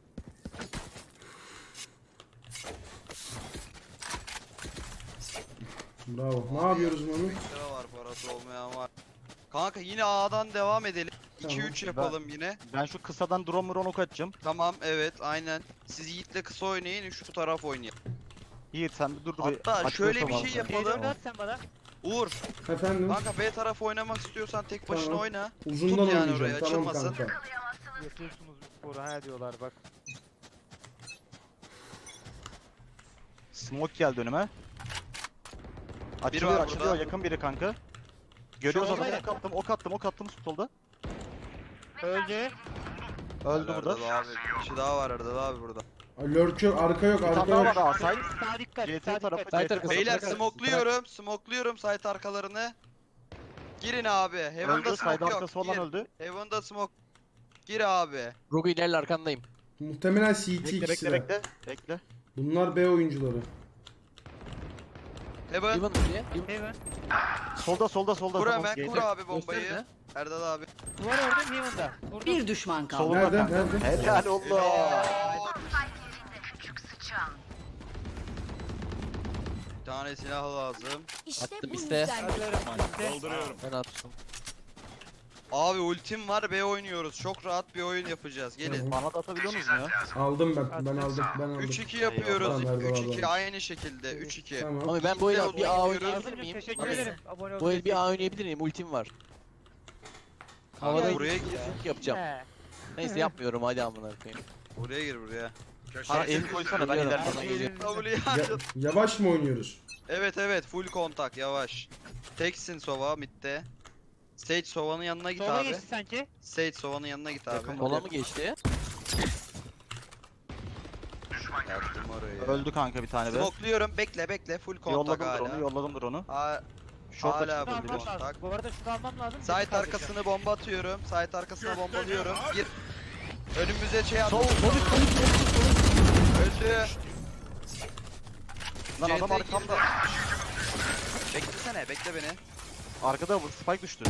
[SPEAKER 2] Bravo. Ne yapıyoruz Mami?
[SPEAKER 1] Lira var parası olmayan var. Kanka yine A'dan devam edelim.
[SPEAKER 2] Tamam.
[SPEAKER 1] iki üç yapalım yine.
[SPEAKER 4] Ben şu kısadan drone muron ok atacağım.
[SPEAKER 1] Tamam evet aynen. Siz Yiğit'le kısa oynayın şu taraf oynayın.
[SPEAKER 4] Yiğit sen bir dur dur.
[SPEAKER 1] Hatta
[SPEAKER 4] Açıklasam
[SPEAKER 1] şöyle bir
[SPEAKER 4] abi
[SPEAKER 1] şey
[SPEAKER 4] sen.
[SPEAKER 1] yapalım.
[SPEAKER 6] C dördü at sen bana.
[SPEAKER 1] Uğur
[SPEAKER 2] Efendim?
[SPEAKER 1] kanka B tarafı oynamak istiyorsan tek başına
[SPEAKER 2] Tamam.
[SPEAKER 1] oyna.
[SPEAKER 2] Uzundan
[SPEAKER 1] tut yani
[SPEAKER 2] oynayacağım.
[SPEAKER 1] oraya,
[SPEAKER 2] Tamam
[SPEAKER 1] açılmasın.
[SPEAKER 2] kanka.
[SPEAKER 6] Yapıyorsunuz bu sporu ha diyorlar bak.
[SPEAKER 4] Smoke geldi önüme. Açılıyor
[SPEAKER 1] var
[SPEAKER 4] açılıyor
[SPEAKER 1] burada.
[SPEAKER 4] yakın biri kanka. Görüyoruz
[SPEAKER 6] Solda
[SPEAKER 4] adamı
[SPEAKER 6] ya.
[SPEAKER 4] ok attım ok attım ok attım solda.
[SPEAKER 6] Öldü.
[SPEAKER 4] Öldü
[SPEAKER 1] Erdal
[SPEAKER 4] burada.
[SPEAKER 1] Abi. Bir kişi daha var Erdal abi burada.
[SPEAKER 2] Lurk yok, arka yok,
[SPEAKER 4] Bir
[SPEAKER 2] arka
[SPEAKER 4] tane daha var
[SPEAKER 2] yok.
[SPEAKER 4] daha side.
[SPEAKER 6] Sağ dikkat.
[SPEAKER 4] C T
[SPEAKER 6] Sağ
[SPEAKER 4] tarafı,
[SPEAKER 6] dikkat.
[SPEAKER 7] C T
[SPEAKER 4] arkası.
[SPEAKER 1] Beyler
[SPEAKER 4] Bırak,
[SPEAKER 1] smokluyorum. Smokluyorum site arkalarını. Girin abi. Heaven'da
[SPEAKER 4] Öldü
[SPEAKER 1] smoke
[SPEAKER 4] side
[SPEAKER 1] yok.
[SPEAKER 4] arkası olan
[SPEAKER 1] Gir.
[SPEAKER 4] öldü.
[SPEAKER 1] Heaven'da smoke. Gir abi.
[SPEAKER 7] Rogu ilerle arkandayım.
[SPEAKER 2] Muhtemelen C T
[SPEAKER 4] Bekle
[SPEAKER 2] ikisi
[SPEAKER 4] bekle
[SPEAKER 2] de.
[SPEAKER 4] bekle. Bekle.
[SPEAKER 2] Bunlar B oyuncuları.
[SPEAKER 1] Heaven.
[SPEAKER 7] Ivan diye.
[SPEAKER 6] Heaven.
[SPEAKER 4] Solda solda solda.
[SPEAKER 1] Kur
[SPEAKER 4] tamam,
[SPEAKER 1] hemen
[SPEAKER 4] G T.
[SPEAKER 1] kur abi bombayı.
[SPEAKER 7] Gösterme.
[SPEAKER 1] Erdal abi.
[SPEAKER 6] Duvar ördüm Heaven'da. Vurdum.
[SPEAKER 5] Bir düşman kaldı.
[SPEAKER 4] Solda
[SPEAKER 2] Nerede,
[SPEAKER 4] kanka.
[SPEAKER 2] nerede?
[SPEAKER 4] Helal olsun.
[SPEAKER 1] Bir tane silah lazım.
[SPEAKER 5] İşte
[SPEAKER 7] Attım
[SPEAKER 5] bu
[SPEAKER 7] iste.
[SPEAKER 5] yüzden.
[SPEAKER 6] Hazırım. Bizde.
[SPEAKER 8] Dolduruyorum.
[SPEAKER 7] Ben attım.
[SPEAKER 1] Abi ultim var, B oynuyoruz. Çok rahat bir oyun yapacağız. Gelin.
[SPEAKER 4] Bana da atabiliyor musun ya?
[SPEAKER 2] Aldım ben. Ben aldım. Ben aldım.
[SPEAKER 1] üç iki yapıyoruz.
[SPEAKER 2] Tamam, nerede
[SPEAKER 1] üç iki
[SPEAKER 2] var?
[SPEAKER 1] aynı şekilde. üç iki.
[SPEAKER 2] Tamam.
[SPEAKER 7] Abi ben bu el
[SPEAKER 1] Bizde
[SPEAKER 7] bir A
[SPEAKER 1] oynuyoruz.
[SPEAKER 7] oynayabilir miyim?
[SPEAKER 6] Teşekkür
[SPEAKER 7] Abi,
[SPEAKER 6] ederim. Abone ol.
[SPEAKER 7] Bu el bir A oynayabilir miyim? Ultim var.
[SPEAKER 1] Kanka
[SPEAKER 7] Havada
[SPEAKER 1] buraya gir.
[SPEAKER 7] ulti yapacağım.
[SPEAKER 6] He.
[SPEAKER 7] Neyse yapmıyorum hadi amına koyayım.
[SPEAKER 1] Buraya gir buraya.
[SPEAKER 4] Bana el koysana ben
[SPEAKER 7] Biliyorum,
[SPEAKER 4] ilerleyeyim.
[SPEAKER 7] bana geliyor.
[SPEAKER 1] W'ye
[SPEAKER 2] Ya-
[SPEAKER 1] harcadım.
[SPEAKER 2] yavaş mı oynuyoruz?
[SPEAKER 1] Evet evet full kontak yavaş. Teksin Sova midde. Sage Sova'nın yanına git
[SPEAKER 6] Sola
[SPEAKER 1] abi.
[SPEAKER 6] geçti sanki.
[SPEAKER 1] Sage Sova'nın yanına git abi.
[SPEAKER 4] Yakın
[SPEAKER 7] Kola mı geçti?
[SPEAKER 1] Yaktım orayı.
[SPEAKER 4] Öldü kanka bir tane be.
[SPEAKER 1] Smokluyorum bekle bekle full kontak
[SPEAKER 4] Yolladım
[SPEAKER 1] hala.
[SPEAKER 4] drone'u, yolladım drone'u.
[SPEAKER 1] Ha,
[SPEAKER 4] Short
[SPEAKER 1] hala
[SPEAKER 4] açıldı
[SPEAKER 6] Şunu
[SPEAKER 1] full
[SPEAKER 4] bir
[SPEAKER 6] almam
[SPEAKER 4] de.
[SPEAKER 1] kontak.
[SPEAKER 6] lazım. Bu arada şunu almam lazım.
[SPEAKER 1] Site
[SPEAKER 6] Site
[SPEAKER 1] arkasını bomba atıyorum. Site arkasına bombalıyorum. Gir. Önümüze şey at.
[SPEAKER 4] Sol, sol,
[SPEAKER 1] Öldü.
[SPEAKER 4] Lan
[SPEAKER 1] C T
[SPEAKER 4] adam arkamda.
[SPEAKER 1] Beklesene bekle beni.
[SPEAKER 4] Arkada bu spike düştü.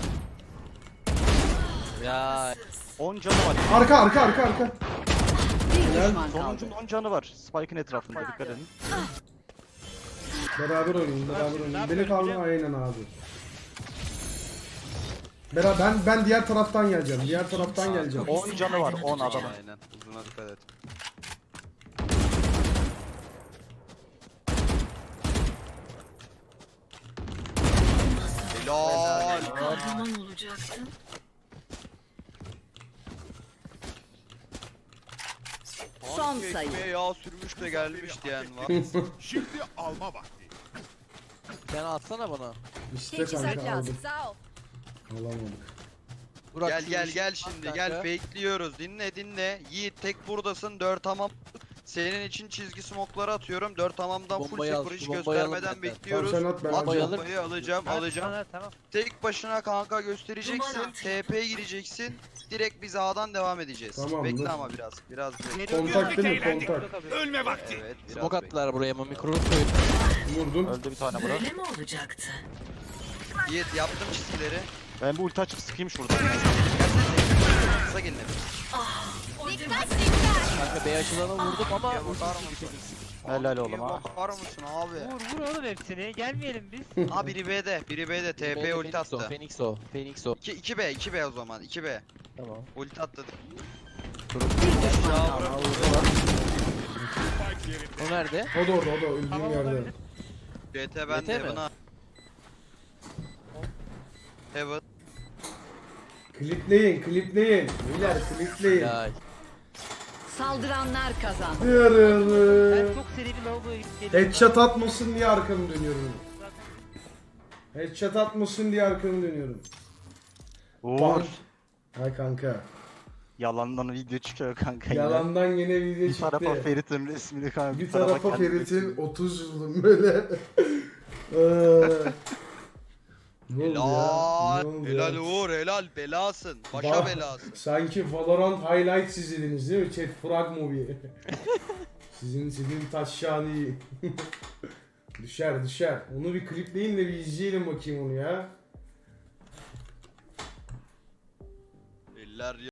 [SPEAKER 7] Ya
[SPEAKER 4] on canı var.
[SPEAKER 2] Arka arka arka arka.
[SPEAKER 5] Bir
[SPEAKER 2] Helal.
[SPEAKER 5] düşman kaldı.
[SPEAKER 4] Sonuncunun on canı var. Spike'ın etrafında dikkat edin.
[SPEAKER 2] Beraber oynayın, beraber
[SPEAKER 6] şimdi
[SPEAKER 2] oynayın.
[SPEAKER 6] ne
[SPEAKER 2] Beni
[SPEAKER 6] yapıyoruz
[SPEAKER 2] kaldı
[SPEAKER 6] biliyor
[SPEAKER 2] aynen abi. Bera ben ben diğer taraftan geleceğim. Diğer taraftan geleceğim.
[SPEAKER 4] on canı var. on adamın.
[SPEAKER 1] Aynen. Uzuna dikkat et. Helal.
[SPEAKER 5] Kahraman olacaktın. Son
[SPEAKER 1] Hangi
[SPEAKER 5] sayı.
[SPEAKER 1] ekmeğe yağ sürmüş de gelmiş diyen var.
[SPEAKER 8] Şimdi alma vakti.
[SPEAKER 7] sen atsana bana.
[SPEAKER 2] İşte
[SPEAKER 5] Teçhizat
[SPEAKER 2] kanka
[SPEAKER 5] lazım.
[SPEAKER 2] aldım.
[SPEAKER 5] Sağ ol.
[SPEAKER 2] Alamadık.
[SPEAKER 7] Burak,
[SPEAKER 1] Gel
[SPEAKER 7] şu
[SPEAKER 1] gel
[SPEAKER 7] işi
[SPEAKER 1] gel
[SPEAKER 7] at
[SPEAKER 1] şimdi
[SPEAKER 7] kanka.
[SPEAKER 1] gel fakeliyoruz. Dinle dinle. Yiğit tek buradasın. Dört tamam. Senin için çizgi smokları atıyorum. Dört tamamdan full
[SPEAKER 7] Bombayı al,
[SPEAKER 1] sıfır hiç
[SPEAKER 7] şu bombayı alın
[SPEAKER 1] göstermeden
[SPEAKER 7] benden.
[SPEAKER 2] Tamam
[SPEAKER 1] bekliyoruz.
[SPEAKER 2] sen at ben
[SPEAKER 1] At
[SPEAKER 7] Bombayı
[SPEAKER 2] alacağım.
[SPEAKER 7] alır.
[SPEAKER 1] bombayı alacağım
[SPEAKER 6] Evet,
[SPEAKER 1] alacağım.
[SPEAKER 6] Tamam tamam.
[SPEAKER 1] Tek başına kanka göstereceksin. T P'ye gireceksin. Direkt biz A'dan devam edeceğiz.
[SPEAKER 2] Tamam,
[SPEAKER 1] Bekle
[SPEAKER 2] dur.
[SPEAKER 1] ama biraz. Biraz bekle.
[SPEAKER 6] Geliyorum.
[SPEAKER 2] Kontak değil mi?
[SPEAKER 8] Eğlendik.
[SPEAKER 2] Kontak.
[SPEAKER 6] Tabii.
[SPEAKER 8] Ölme vakti.
[SPEAKER 1] Evet biraz
[SPEAKER 7] Smoke
[SPEAKER 1] bekle.
[SPEAKER 7] attılar buraya ama mikro koyup.
[SPEAKER 2] Vurdum.
[SPEAKER 4] Öldü bir tane bura.
[SPEAKER 5] Böyle mi olacaktı?
[SPEAKER 1] Yiğit yaptım çizgileri.
[SPEAKER 4] Ben bu ulti açıp sıkayım şurada.
[SPEAKER 1] Kısa gelin hepimiz.
[SPEAKER 7] Kanka B açılana vurdum ama
[SPEAKER 1] Ya bakar mısın?
[SPEAKER 4] Helal oğlum
[SPEAKER 1] Bir
[SPEAKER 4] ha.
[SPEAKER 1] bakar mısın abi?
[SPEAKER 6] Vur vur oğlum hepsini. Gelmeyelim biz.
[SPEAKER 1] Ha biri B'de. Biri B'de. T P ulti
[SPEAKER 7] Phoenix o,
[SPEAKER 1] attı.
[SPEAKER 7] Phoenix o, Phoenix o.
[SPEAKER 1] iki, iki B. iki B o zaman. iki B.
[SPEAKER 7] Tamam.
[SPEAKER 1] Ulti attı.
[SPEAKER 5] Bir düşman
[SPEAKER 1] Ya
[SPEAKER 5] kaldı.
[SPEAKER 1] bırak.
[SPEAKER 8] Spike yerinde.
[SPEAKER 7] O nerede?
[SPEAKER 2] O da orada, o da öldüğüm
[SPEAKER 6] Tamam
[SPEAKER 2] yerde.
[SPEAKER 6] olabilir.
[SPEAKER 1] C T ben
[SPEAKER 7] C T
[SPEAKER 1] de
[SPEAKER 7] mi?
[SPEAKER 1] buna. Evet.
[SPEAKER 2] Klipleyin, klipleyin. Beyler klipleyin.
[SPEAKER 7] Ya
[SPEAKER 5] Saldıranlar kazandı.
[SPEAKER 6] Ben
[SPEAKER 2] Yürü.
[SPEAKER 6] çok seri bir lavaboya gidip geliyorum.
[SPEAKER 2] Headshot atmasın diye arkamı dönüyorum. Headshot atmasın diye arkamı dönüyorum.
[SPEAKER 4] Uğur.
[SPEAKER 2] Hay kanka.
[SPEAKER 4] Yalandan video çıkıyor kanka. yine.
[SPEAKER 2] Yalandan yine video
[SPEAKER 4] Bir tarafa
[SPEAKER 2] çıktı.
[SPEAKER 4] Ferit'in resmini kanka.
[SPEAKER 2] Bir tarafa
[SPEAKER 4] kendi
[SPEAKER 2] Ferit'in
[SPEAKER 4] resmini.
[SPEAKER 2] otuz yılın böyle. Eee. Ne oldu ya?
[SPEAKER 1] Helal.
[SPEAKER 2] Ne oldu
[SPEAKER 1] Helal
[SPEAKER 2] ya?
[SPEAKER 1] Uğur. Helal. Belasın. Başa
[SPEAKER 2] Bak,
[SPEAKER 1] belasın.
[SPEAKER 2] Sanki Valorant highlights izlediniz değil mi? Chat frag movie. sizin sizin taşşani. düşer düşer. Onu bir klipleyin de bir izleyelim bakayım onu ya.